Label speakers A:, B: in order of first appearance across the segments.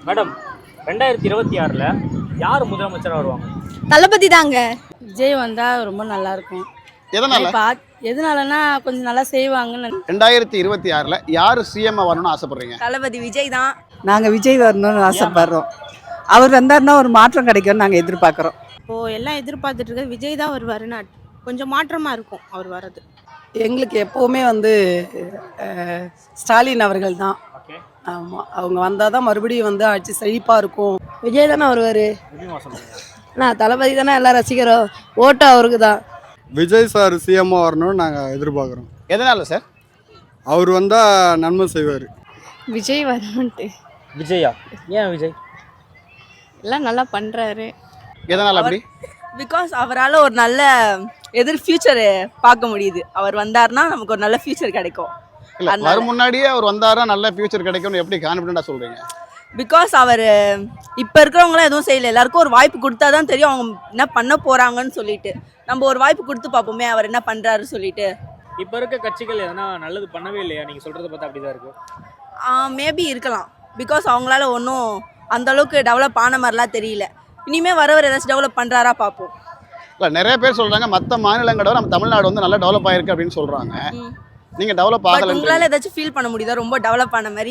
A: Madam 2026ல் யார் முதலமைச்சராக வருவாங்க?
B: தளபதி தாங்க.
C: விஜய் வந்தால் ரொம்ப நல்லா இருக்கும்.
D: எதனால?
C: எதனாலன்னா கொஞ்சம் நல்லா செய்வாங்கன்னு.
D: 2026ல் யார் சிஎம் வரணும்னு ஆசைப்படுறீங்க?
B: தளபதி விஜய் தான்.
E: நாங்கள் விஜய் வரணும்னு ஆசைப்படுறோம். அவர் வந்தாருன்னா ஒரு மாற்றம் கிடைக்கும்னு நாங்கள் எதிர்பார்க்குறோம்.
F: இப்போது எல்லாம் எதிர்பார்த்துட்டு இருக்க விஜய் தான் வருவாருன்னு கொஞ்சம் மாற்றமாக இருக்கும் அவர் வர்றது.
E: எங்களுக்கு எப்போவுமே ஸ்டாலின் அவர்கள் தான். ஆமாம், அவங்க வந்தால் தான் மறுபடியும் ஆட்சி செழிப்பாக இருக்கும்.
F: விஜய் தானே வருவார். நான் தளபதி தானே எல்லாம் ரசிக்கிறோம், ஓட்டு அவருக்கு தான்.
G: விஜய் சார் சிஎம்மாக வரணும்னு நாங்கள் எதிர்பார்க்குறோம்.
D: எதனால சார்?
G: அவர் வந்தால் நன்மை செய்வார்.
F: விஜய் வரணுன்ட்டு.
A: விஜயா? ஏன் விஜய்?
F: எல்லாம் நல்லா பண்ணுறாரு.
D: எதனால அப்படி?
B: பிகாஸ் அவரால் ஒரு நல்ல ஃபியூச்சரை பார்க்க முடியுது. அவர் வந்தார்னா நமக்கு ஒரு நல்ல ஃபியூச்சர் கிடைக்கும்.
D: இல்லை, வரும் முன்னாடியே அவர் வந்தாரா நல்ல ஃபியூச்சர் கிடைக்கும்னு எப்படி கான்ஃபிடென்ட்டாக சொல்கிறீங்க?
B: பிகாஸ் அவர் இப்போ இருக்கிறவங்களாம் எதுவும் செய்யலை. எல்லாருக்கும் ஒரு வாய்ப்பு கொடுத்தா தான் தெரியும் அவங்க என்ன பண்ண போகிறாங்கன்னு சொல்லிட்டு. நம்ம ஒரு வாய்ப்பு கொடுத்து பார்ப்போமே அவர் என்ன பண்ணுறாரு சொல்லிட்டு.
A: இப்போ இருக்க கட்சிகள் எதனா நல்லது பண்ணவே இல்லையா? நீங்கள் சொல்கிறத பார்த்தா அப்படி தான் இருக்குது.
B: மேபி இருக்கலாம். பிகாஸ் அவங்களால ஒன்றும் அந்தளவுக்கு டெவலப் ஆன மாதிரிலாம் தெரியல. இனிமேல் வரவர் ஏதாச்சும் டெவலப் பண்ணுறாரா பார்ப்போம்.
D: இல்லை, நிறைய பேர் சொல்கிறாங்க மற்ற மாநிலங்களோட நம்ம தமிழ்நாடு நல்லா டெவலப் ஆகிருக்கு அப்படின்னு சொல்கிறாங்க. நீங்கள் டெவலப் ஆகலை.
B: உங்களால் ஏதாச்சும் ஃபீல் பண்ண முடியுதா ரொம்ப டெவலப் ஆன மாதிரி?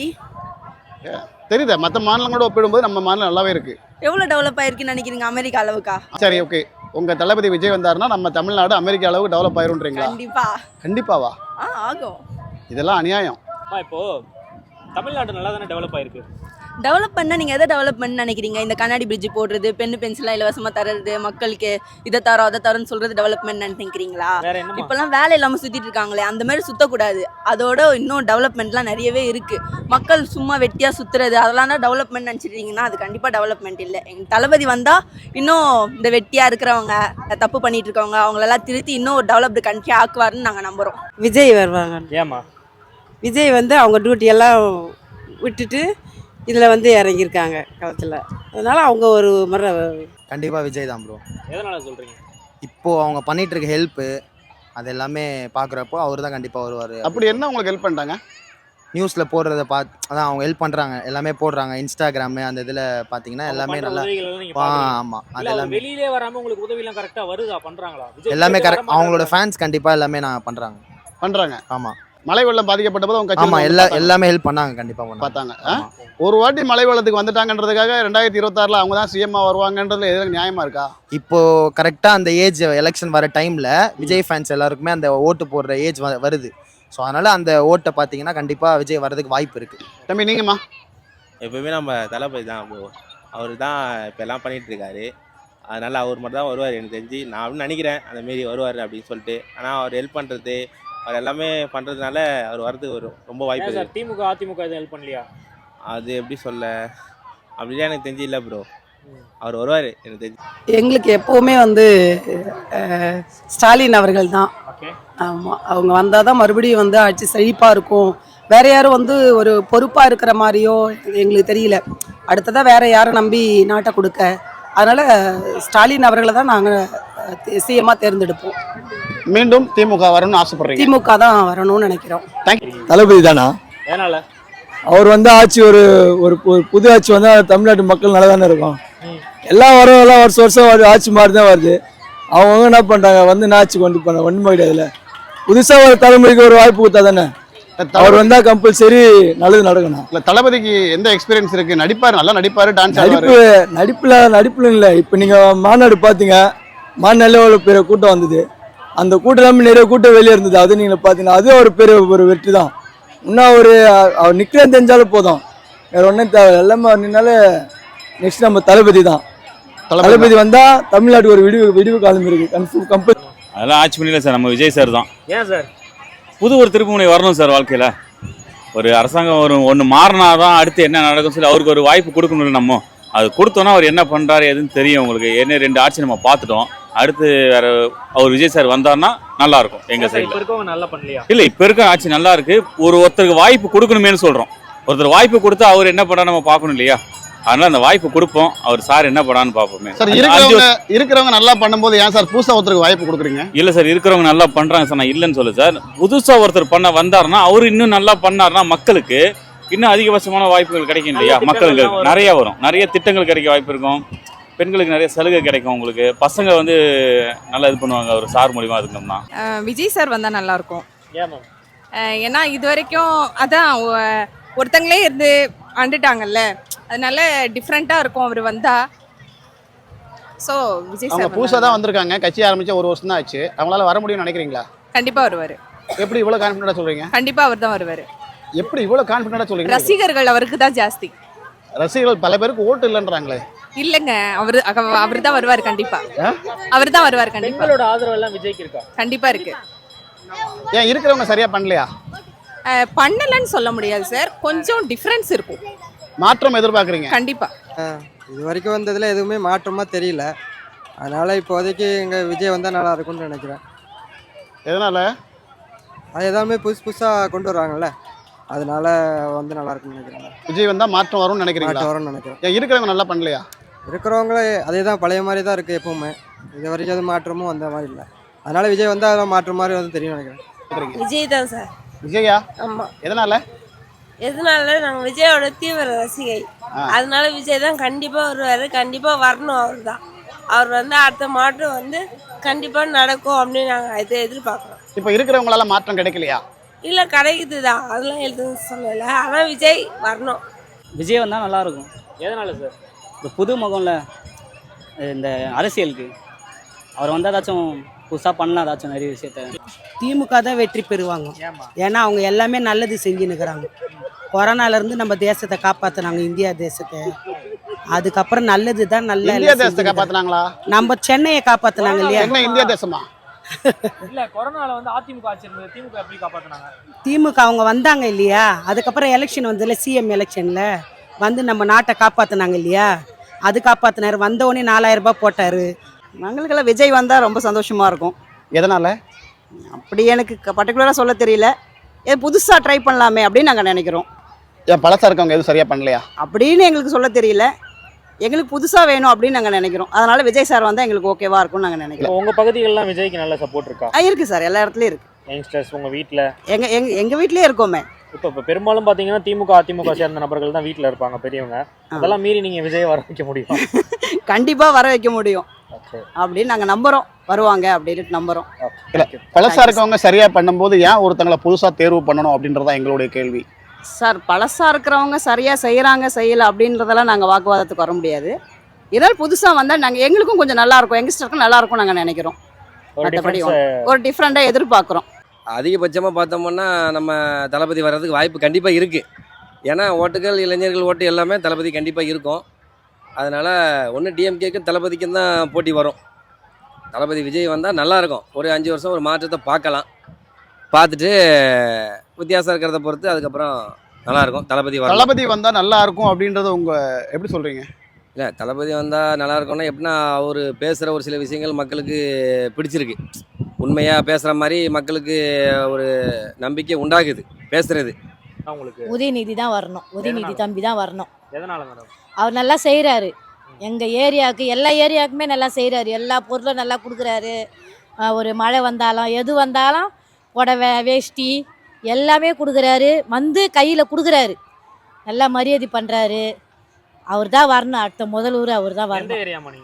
D: தெரியுதா? மற்ற மாநிலங்களோட ஒப்பிடும்போது நம்ம மாநிலம் நல்லாவே இருக்குது.
B: எவ்வளோ டெவலப் ஆகிருக்குன்னு நினைக்கிறீங்க அமெரிக்கா அளவுக்கா?
D: சரி, ஓகே. உங்கள் தளபதி விஜய் வந்தாருன்னா நம்ம தமிழ்நாடு அமெரிக்கா அளவுக்கு டெவலப் ஆயிருன்றீங்களா? கண்டிப்பாவா?
B: ஆகும்.
D: இதெல்லாம் அநியாயம்.
A: இப்போது தமிழ்நாடு நல்லா தானே டெவலப் ஆயிருக்கு.
B: டெவலப் பண்ணால் நீங்கள் எதை டெவலப் பண்ணு நினைக்கிறீங்க? இந்த கண்ணாடி பிரிட்ஜ் போடுறது, பென்னு பென்சிலாம் இலவசமாக தர்றது, மக்களுக்கு இதை தரோம் அதை தரோன்னு சொல்கிறது டெவலப்மெண்ட் நினைக்கிறீங்களா? இப்போல்லாம் வேலை இல்லாமல் சுற்றிட்டு இருக்காங்களே, அந்த மாதிரி சுற்றக்கூடாது. அதோட இன்னும் டெவலப்மெண்ட்லாம் நிறையவே இருக்குது. மக்கள் சும்மா வெட்டியாக சுற்றுறது அதெல்லாம் தான் டெவலப்மெண்ட் நினச்சிட்டிங்கன்னா அது கண்டிப்பாக டெவலப்மெண்ட் இல்லை. எங்கள் தளபதி வந்தால் இன்னும் இந்த வெட்டியாக இருக்கிறவங்க, தப்பு பண்ணிட்டு இருக்கவங்க அவங்களெல்லாம் திருத்தி இன்னும் ஒரு டெவலப்டு கண்ட்ரி ஆக்குவாருன்னு நாங்கள் நம்புகிறோம்.
E: விஜய் வருவாங்க.
A: ஏமா?
E: விஜய் அவங்க டியூட்டியெல்லாம் விட்டுட்டு இதில் இறங்கியிருக்காங்க களத்தில். அதனால் அவங்க ஒரு முறை
H: கண்டிப்பாக விஜய் தான் ப்ரோ.
A: எதனால் சொல்கிறீங்க?
H: இப்போது அவங்க பண்ணிகிட்டு இருக்க ஹெல்ப்பு அது எல்லாமே பார்க்குறப்போ அவர் தான் கண்டிப்பாக வருவார்.
D: அப்படி என்ன உங்களுக்கு ஹெல்ப் பண்ணிட்டாங்க?
H: நியூஸில் போடுறத அதான் அவங்க ஹெல்ப் பண்ணுறாங்க, எல்லாமே போடுறாங்க. இன்ஸ்டாகிராமு அந்த இதில் பார்த்தீங்கன்னா எல்லாமே நல்லா. ஆமாம், அது எல்லாமே
A: வெளியிலே வராமல் உங்களுக்கு உதவிலாம் கரெக்டாக வருதா? பண்ணுறாங்களா?
H: எல்லாமே கரெக்ட். அவங்களோட ஃபேன்ஸ் கண்டிப்பாக எல்லாமே நான் பண்ணுறாங்க. ஆமாம்,
D: மழை வெள்ளம் பாதிக்கப்பட்ட போது அவங்க
H: ஆமாம் எல்லாமே ஹெல்ப் பண்ணாங்க. கண்டிப்பாக
D: பார்த்தாங்க. ஒரு வாட்டி மழை வெள்ளத்துக்கு வந்துட்டாங்கன்றதுக்காக 2026ல் அவங்க தான் சிஎம்மா வருவாங்கன்றதுல எதுவும் நியாயமா இருக்கா?
H: இப்போ கரெக்டாக அந்த ஏஜ் எலெக்ஷன் வர டைமில் விஜய் ஃபேன்ஸ் எல்லாருக்குமே அந்த ஓட்டு போடுற ஏஜ் வருது. ஸோ அதனால் அந்த ஓட்டை பார்த்தீங்கன்னா கண்டிப்பாக விஜய் வர்றதுக்கு வாய்ப்பு இருக்குது.
D: தம்பி நீங்கம்மா?
I: எப்பவுமே நம்ம தளபதி தான் ப்ரோ. அவர் தான் இப்போ எல்லாம் பண்ணிகிட்டு இருக்காரு. அதனால் அவர் மட்டும் தான் வருவார் எனக்கு தெரிஞ்சு. நான் அப்படின்னு நினைக்கிறேன் அந்தமாரி வருவார் அப்படின்னு சொல்லிட்டு. ஆனால் அவர் ஹெல்ப் பண்ணுறது அவர் எல்லாமே பண்ணுறதுனால அவர் வரதுக்கு ரொம்ப வாய்ப்பு இருக்குது.
A: திமுக அதிமுக எதுவும் ஹெல்ப் பண்ணலையா?
I: அது எப்படி சொல்ல, அப்படிலாம் எனக்கு தெரிஞ்சு இல்லை ப்ரோ. அவர் வருவார் எனக்கு தெரிஞ்சு.
E: எங்களுக்கு எப்போவுமே ஸ்டாலின் அவர்கள் தான். ஆமாம், அவங்க வந்தால் தான் மறுபடியும் ஆட்சி செழிப்பாக இருக்கும். வேறு யாரும் ஒரு பொறுப்பாக இருக்கிற மாதிரியோ எங்களுக்கு தெரியல. அடுத்ததாக வேறு யாரும் நம்பி நாட்டை கொடுக்க. அதனால் ஸ்டாலின் அவர்களை தான் நாங்கள் சிஎம்மாக தேர்ந்தெடுப்போம்.
D: மீண்டும் திமுக வரணும்னு ஆசைப்படுறீங்க? திமுக
E: தான் வரணும்னு நினைக்கிறோம்.
G: தளபதி தானா?
A: ஏனால?
G: அவர் ஆட்சி ஒரு புது ஆட்சி வந்தால் தமிழ்நாட்டு மக்கள் நல்லா தானே இருக்கும். எல்லாம் வருஷம் ஆட்சி மாறி தான் வருது. அவங்க என்ன பண்ணுறாங்க ஆட்சி கொண்டு போன ஒன்றுமே கிடையாதுல. புதுசாக ஒரு தலைமுறைக்கு ஒரு வாய்ப்பு கொடுத்தா தானே. அவர் வந்தால் கம்பல்சரி நல்லது நடக்கணும்.
D: இல்லை, தளபதிக்கு எந்த எக்ஸ்பீரியன்ஸ் இருக்குது? நடிப்பார், நல்லா நடிப்பார், டான்ஸ்
G: நடிப்பில் இல்லை. இப்போ நீங்கள் மாநாடு பார்த்தீங்க, மாநாட்டில் ஒரு பெரிய கூட்டம் வந்தது. அந்த கூட்டம் எல்லாமே நிறைய கூட்டம் வெளியே இருந்தது. அது நீங்கள் பார்த்தீங்கன்னா அது ஒரு பெரிய ஒரு வெற்றி தான். இன்னும் அவர் நிற்கிறேன்னு தெரிஞ்சாலும் போதும், வேறு ஒன்றும் தேவை. எல்லாமே நின்னாலே நெக்ஸ்ட் நம்ம தளபதி தான். தளபதி வந்தால் தமிழ்நாட்டுக்கு ஒரு விடிவு காலம் இருக்குது கம்பல்.
J: அதெல்லாம் ஆட்சி பண்ணிடல சார், நம்ம விஜய் சார் தான்.
A: ஏன் சார்?
J: ஒரு திருப்புமுனை வரணும் சார் வாழ்க்கையில். ஒரு அரசாங்கம் ஒன்று மாறினா தான் அடுத்து என்ன நடக்கும் சொல்லி அவருக்கு ஒரு வாய்ப்பு கொடுக்கணும்ல. நம்ம அது கொடுத்தோன்னா அவர் என்ன பண்ணுறாரு எதுன்னு தெரியும் உங்களுக்கு. என்ன 2 ஆட்சி நம்ம பார்த்துட்டோம். அடுத்து வேற அவர் விஜய் சார் வந்தார்னா நல்லா இருக்கும் எங்கள் சைடில்.
A: நல்லா பண்ணலையா?
J: இல்லை, இப்போ இருக்க ஆட்சி நல்லா இருக்கு. ஒருத்தருக்கு வாய்ப்பு கொடுக்கணுமேனு சொல்கிறோம். ஒருத்தர் வாய்ப்பு கொடுத்து அவர் என்ன பண்ணா நம்ம பார்க்கணும் இல்லையா? அதனால அந்த வாய்ப்பு கொடுப்போம். அவர் சார் என்ன பண்ணான்னு பார்ப்போமே.
D: சார், இருக்கிறவங்க நல்லா பண்ணும்போது ஏன் சார் புதுசாக ஒருத்தருக்கு வாய்ப்பு கொடுக்குறீங்க?
J: இல்லை சார், இருக்கிறவங்க நல்லா பண்ணுறாங்க சார், நான் இல்லைன்னு சொல்ல சார். புதுசாக ஒருத்தர் பண்ண வந்தாருன்னா அவர் இன்னும் நல்லா பண்ணாருன்னா மக்களுக்கு இன்னும் அதிகபட்சமான வாய்ப்புகள் கிடைக்கும் இல்லையா?
A: நல்ல
J: மக்களுக்கு
A: திட்டங்கள்லாம் வரும்.
J: நிறைய வரும், நிறைய திட்டங்கள் கிடைக்க வாய்ப்பு இருக்கும். பெண்களுக்கு நிறைய சலுகை கிடைக்கும். உங்களுக்கு பசங்க வந்து நல்லா இது பண்ணுவாங்க ஒரு சார் மூலியமா இருக்கணும்னா.
K: விஜய் சார் வந்தால் நல்லாயிருக்கும்.
A: ஏன் மேம்?
K: ஏன்னா இது வரைக்கும் அதான் ஒருத்தங்களே இருந்து ஆண்டுட்டாங்கல்ல, அதனால டிஃப்ரெண்ட்டாக இருக்கும் அவர் வந்தால். ஸோ விஜய்
D: அவங்க
K: சார்
D: புதுசாக தான் வந்திருக்காங்க, கட்சி ஆரம்பிச்ச 1 வருஷம் தான் ஆச்சு. அவங்களால வர முடியும்னு நினைக்கிறீங்களா?
K: கண்டிப்பாக வருவார்.
D: எப்படி இவ்வளோ கான்ஃபிடென்ட்டாக சொல்கிறீங்க?
K: கண்டிப்பாக அவர் தான் வருவார்.
D: எப்படி இவ்வளோ கான்ஃபிடென்ட்டாக சொல்கிறீங்க?
K: ரசிகர்கள் அவருக்கு தான் ஜாஸ்தி.
D: ரசிகர்கள் பல பேருக்கு ஓட்டு இல்லைன்றாங்களே.
K: இல்லைங்க, அவர் தான் வருவார். கண்டிப்பாக அவர் தான் வருவார். கண்டிப்பாக
A: பெண்களோட ஆதரவு எல்லாம் விஜய்க்கு இருக்கா?
K: கண்டிப்பாக இருக்கு.
D: ஏன் இருக்கிறவங்க சரியாக பண்ணலையா?
K: பண்ணலன்னு சொல்ல முடியாது சார், கொஞ்சம் டிஃப்ரென்ஸ் இருக்கும்.
D: மாற்றம் எதிர்பார்க்குறீங்க?
K: கண்டிப்பாக.
L: இது வரைக்கும் வந்ததில் எதுவுமே மாற்றமாக தெரியல. அதனால் இப்போதைக்கு எங்கள் விஜய் வந்தால் நல்லா இருக்கும்னு நினைக்கிறேன்.
D: எதனால்?
L: அது எல்லாமே புதுசாக கொண்டு வருவாங்கல்ல, அதனால வந்து நல்லா இருக்கும்னு நினைக்கிறேன்.
D: விஜய் வந்தால் மாற்றம் வரும்னு நினைக்கிறீங்களா?
L: மாற்றம் வரும்னு நினைக்கிறேன்.
D: ஏன் இருக்கிறவங்க நல்லா பண்ணலையா?
L: இருக்கிறவங்களே அதே தான், பழைய மாதிரி தான் இருக்குது எப்பவுமே. இது வரைக்கும் எதுவும் மாற்றமும் வந்த மாதிரி இல்லை. அதனால் விஜய் வந்தால் அதெல்லாம் மாற்றம் மாதிரி வந்து தெரியும் நினைக்கிறேன்.
F: விஜய் தான் சார்.
D: விஜயா?
F: ஆமாம்.
D: எதனால்?
F: எதனால நாங்கள் விஜயோட தீவிர ரசிகை, அதனால விஜய் தான் கண்டிப்பாக வருவார். கண்டிப்பாக வரணும். அவர் தான். அவர் வந்து அடுத்த மாற்றம் வந்து கண்டிப்பாக நடக்கும் அப்படின்னு நாங்கள் இதை எதிர்பார்க்குறோம்.
D: இப்போ இருக்கிறவங்களால மாற்றம் கிடைக்கலையா?
F: இல்லை, கிடைக்குது தான், அதெல்லாம் எதுவும் சொல்லலை. ஆனால் விஜய் வரணும்.
M: விஜய் வந்தால் நல்லாயிருக்கும்.
A: எதனால சார்?
M: இந்த புது முகம்ல இந்த அரசியலுக்கு அவர் வந்தால் ஏதாச்சும் புதுசாக பண்ணலாம், ஏதாச்சும் நிறைய விஷயத்த.
E: திமுக தான் வெற்றி பெறுவாங்க. ஏன்னா அவங்க எல்லாமே நல்லது செஞ்சுன்னுக்குறாங்க. கொரோனாலேருந்து நம்ம தேசத்தை காப்பாற்றினாங்க, இந்தியா தேசத்தை. அதுக்கப்புறம் நல்லது தான்.
D: இந்தியா தேசத்தை காப்பாற்றினாங்களா?
E: நம்ம சென்னையை காப்பாற்றினாங்க இல்லையா?
D: என்ன இந்தியா தேசமா?
A: இல்ல, கொரோனால வந்து அதிமுக ஆட்சி இருந்தது, திமுக எப்படி காப்பாத்துனாங்க?
E: திமுக அவங்க வந்தாங்க இல்லையா, அதுக்கப்புறம் எலெக்ஷன் வந்ததுல சிஎம் எலெக்ஷனில் வந்து நம்ம நாட்டை காப்பாற்றினாங்க இல்லையா, அது காப்பாற்றினார். வந்தவொடனே 4000 ரூபாய் போட்டார்.
B: எங்களுக்கெல்லாம் விஜய் வந்தால் ரொம்ப சந்தோஷமாக இருக்கும்.
D: எதனால்?
B: அப்படி எனக்கு பர்டிகுலராக சொல்ல தெரியல. புதுசாக ட்ரை பண்ணலாமே அப்படின்னு நாங்கள் நினைக்கிறோம்.
D: ஏன் பழசாக இருக்கவங்க எதுவும் சரியாக பண்ணலையா
B: அப்படின்னு எங்களுக்கு சொல்ல தெரியல. எங்களுக்கு புதுசாக வேணும் அப்படின்னு நாங்கள் நினைக்கிறோம். அதனால விஜய் சார் வந்தால் எங்களுக்கு ஓகேவா இருக்கும்னு நாங்கள் நினைக்கிறோம்.
A: உங்க பகுதிகளெல்லாம் விஜய்க்கு நல்ல சப்போர்ட் இருக்கா?
B: இருக்குது சார், எல்லா இடத்துலையும் இருக்குது.
A: யங்ஸ்டர்ஸ் உங்க வீட்டில்?
B: எங்கள் வீட்லேயே இருக்கோமே.
A: இப்போ பெரும்பாலும் பார்த்தீங்கன்னா திமுக அதிமுக சேர்ந்த நபர்கள் தான் வீட்டில் இருப்பாங்க, பெரியவங்க. அதெல்லாம் மீறி நீங்கள் விஜய் வர வைக்க முடியும்?
B: கண்டிப்பாக வர வைக்க முடியும் அப்படின்னு நாங்கள் நம்புகிறோம். வருவாங்க அப்படின்னு நம்புகிறோம்.
D: பழசாக இருக்கவங்க சரியாக பண்ணும்போது ஏன் ஒருத்தங்களை புதுசாக தேர்வு பண்ணணும் அப்படின்றதான் எங்களுடைய கேள்வி
B: சார். பழசாக இருக்கிறவங்க சரியாக செய்கிறாங்க செய்யலை அப்படின்றதெல்லாம் நாங்கள் வாக்குவாதத்துக்கு வர முடியாது. இதனால் புதுசாக வந்தால் நாங்கள் எங்களுக்கும் கொஞ்சம் நல்லாயிருக்கும், யங்ஸ்டருக்கும் நல்லாயிருக்கும் நாங்கள் நினைக்கிறோம். மற்றபடி ஒரு டிஃப்ரெண்ட்டாக எதிர்பார்க்குறோம்.
N: அதிகபட்சமாக பார்த்தோம்னா நம்ம தளபதி வர்றதுக்கு வாய்ப்பு கண்டிப்பாக இருக்குது. ஏன்னா ஓட்டுகள், இளைஞர்கள் ஓட்டு எல்லாமே தளபதி கண்டிப்பாக இருக்கும். அதனால் ஒன்று டிஎம்கேக்கும் தளபதிக்கும் தான் போட்டி வரும். தளபதி விஜய் வந்தால் நல்லாயிருக்கும். ஒரு 5 வருஷம் ஒரு மாற்றத்தை பார்க்கலாம். பார்த்துட்டு வித்தியாசம் இருக்கிறத பொறுத்து அதுக்கப்புறம் நல்லாயிருக்கும். தளபதி
D: வந்தால் நல்லா இருக்கும் அப்படின்றத உங்கள் எப்படி சொல்கிறீங்க?
N: இல்லை, தளபதி வந்தால் நல்லாயிருக்கும்னா எப்படின்னா அவர் பேசுகிற ஒரு சில விஷயங்கள் மக்களுக்கு பிடிச்சிருக்கு. உண்மையாக பேசுகிற மாதிரி மக்களுக்கு ஒரு நம்பிக்கை உண்டாகுது பேசுகிறது.
C: உதயநிதி தான் வரணும். உதயநிதி தம்பி தான் வரணும்.
A: எதனால மேடம்?
C: அவர் நல்லா செய்கிறாரு. எங்கள் ஏரியாவுக்கு எல்லா ஏரியாவுக்குமே நல்லா செய்கிறாரு. எல்லா பொருளும் நல்லா கொடுக்குறாரு. ஒரு மழை வந்தாலும் எது வந்தாலும் புடவை, வேஷ்டி எல்லாமே கொடுக்குறாரு. வந்து கையில் கொடுக்குறாரு. நல்லா மரியாதை பண்ணுறாரு. அவர் தான் வரணும். அடுத்த முதல்வர் அவர் தான் வரணும்.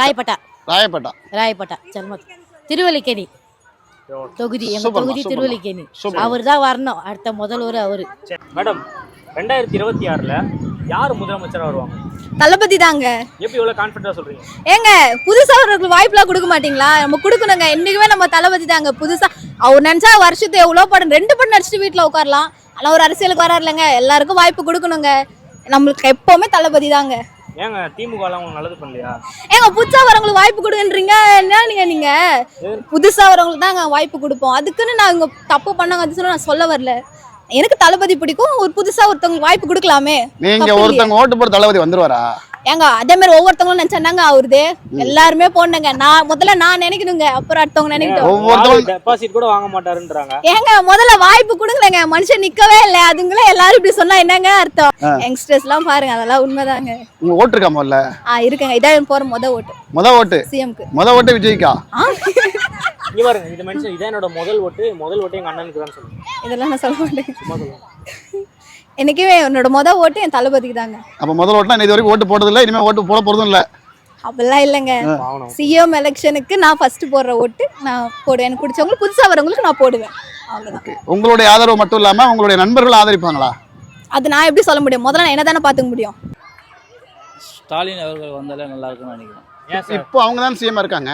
C: ராயப்பட்டா ஜென்மத்து திருவல்லிக்கேணி தொகுதி, எங்கள் தொகுதி திருவல்லிக்கேணி. அவர் தான் வரணும். அடுத்த முதல்வர் அவர்.
A: மேடம், 2026ல் யார் முதலமைச்சராக வருவாங்க?
K: தளபதி தாங்க.
A: எப்படி இவ்வளோ கான்ஃபிடென்ட்டாக சொல்கிறீங்க?
K: ஏங்க, புதுசாக அவர்களுக்கு வாய்ப்புலாம் கொடுக்க மாட்டீங்களா? நம்ம கொடுக்கணுங்க. என்றைக்குமே நம்ம தளபதி தாங்க. புதுசாக அவர் நினச்சா வருஷத்து எவ்வளோ படம் 2 படம் நடிச்சுட்டு வீட்டில் உட்காரலாம். ஆனால் ஒரு அரசியலுக்கு வராரு இல்லைங்க. எல்லாருக்கும் வாய்ப்பு கொடுக்கணுங்க. நம்மளுக்கு எப்போவுமே தளபதி தாங்க.
A: ஏங்க திமுகலாம் உங்களுக்கு நல்லது பண்ணலையா?
K: ஏங்க புதுசாக வரவங்களுக்கு வாய்ப்பு கொடுக்குன்றீங்க. என்ன நீங்கள் புதுசாக வரவங்களுக்கு தாங்க வாய்ப்பு கொடுப்போம். அதுக்குன்னு நான் இங்கே தப்பு பண்ணாங்க அது நான் சொல்ல வரல. எனக்கு தளபதி பிடிக்கும். ஒரு புதுசாக ஒருத்தவங்களுக்கு வாய்ப்பு கொடுக்கலாமே.
D: நீங்கள் ஒருத்தவங்க ஓட்டு போட தளபதி வந்துருவாரா?
K: ஏங்க அதே மாதிரி ஒவ்வொருத்தவங்களும் நினைச்சாங்க அவருது. எல்லாருமே போனாங்க. முதல்ல நான் நினைக்கணுங்க, அப்புறம் அடுத்தவங்க நினைக்கட்டும்.
A: டெபாசிட் கூட வாங்க மாட்டாருன்றாங்க.
K: ஏங்க முதல்ல வாய்ப்பு கொடுங்களேங்க. மனுஷன் நிக்கவே இல்லை. அதுங்களே எல்லாரும் இப்படி சொன்னா என்னங்க அர்த்தம்? யங்ஸ்டர்ஸ் எல்லாம் பாருங்க, அதெல்லாம் உண்மைதாங்க.
D: உங்க ஓட்டு இருக்கா? முதல்ல
K: இருக்குங்க. இதான் போற முத ஓட்டு சிஎம்க்கு.
D: முத ஓட்டு விஜய்க்கா?
A: இங்க பாருங்க, இந்த மனுஷன் இதான் என்னோட முதல் ஓட்டு எங்க அண்ணனுக்கு தான் சொல்லுங்க.
K: இதெல்லாம் நான் சொல்ல மாட்டேன்.
A: சும்மா சொல்லுங்க.
K: என்னைக்குமே என்னோட ஓட்டு என் தளபதிக்கு தாங்க.
D: அப்போ முதல் ஓட்டுனா இது வரைக்கும் ஓட்டு போட்டதில்லை, இனிமேல் ஓட்டு போட போகிறதும் இல்லை.
K: அப்படிலாம் இல்லைங்க. சிஎம் எலெக்ஷனுக்கு நான் ஃபர்ஸ்ட் போடுற ஓட்டு நான் போடுவேன். எனக்கு பிடிச்சவங்களுக்கு புதுசாக வரவங்களுக்கு நான் போடுவேன். அவ்வளோதான்.
D: உங்களுடைய ஆதரவு மட்டும் இல்லாமல் உங்களுடைய நண்பர்கள் ஆதரிப்பாங்களா?
K: அது நான் எப்படி சொல்ல முடியும்? முதல்ல நான் என்ன தானே பார்த்துக்க முடியும்.
M: ஸ்டாலின் அவர்கள் வந்தாலே நல்லா இருக்கும்னு நினைக்கிறேன்.
D: இப்போ அவங்க தான் சிஎம் இருக்காங்க.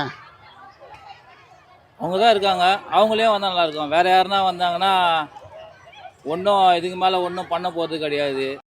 M: அவங்க தான் இருக்காங்க, அவங்களே வந்தால் நல்லா இருக்கும். வேற யாருன்னா வந்தாங்கன்னா ஒன்றும் இதுக்கு மேலே ஒன்றும் பண்ண போகிறது கிடையாது.